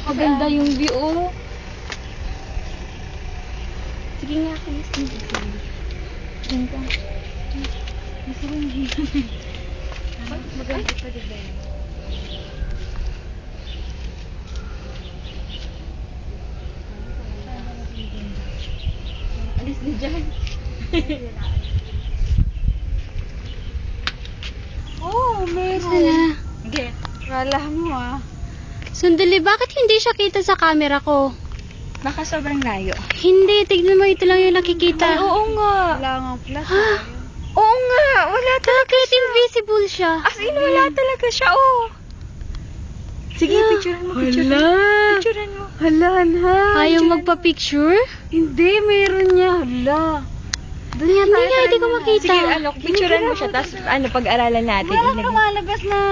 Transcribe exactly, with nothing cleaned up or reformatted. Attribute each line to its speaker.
Speaker 1: Maganda yung view, oh. Sige nga, please. Diyan ka. Gusto ko yung dito. Maganda pa, diba? Alis na dyan. Oh, meron.
Speaker 2: Sana.
Speaker 1: Sige, wala mo ah.
Speaker 2: Sandali, bakit hindi siya kita sa camera ko?
Speaker 1: Baka sobrang layo.
Speaker 2: Hindi, tignan mo, ito lang yung nakikita.
Speaker 1: Ay, oo nga.
Speaker 3: Wala nga flash.
Speaker 2: Ha?
Speaker 1: Oo nga, wala talaga
Speaker 2: Bakit
Speaker 1: siya.
Speaker 2: invisible siya?
Speaker 1: As in, wala talaga siya, oh. Sige, picturean mo, picturean mo.
Speaker 3: Hala.
Speaker 1: Picturean mo.
Speaker 3: Hala, ha.
Speaker 2: Ayaw magpa-picture?
Speaker 3: Hindi, meron niya. Hala. Doon nga
Speaker 2: Hindi
Speaker 3: tayo,
Speaker 2: nga, hindi ko
Speaker 3: tayo na.
Speaker 2: makita.
Speaker 1: Sige, ano, picturean mo siya, tapos ano, pag-aralan natin.
Speaker 3: Walang
Speaker 1: ilagay.
Speaker 3: lumalabas na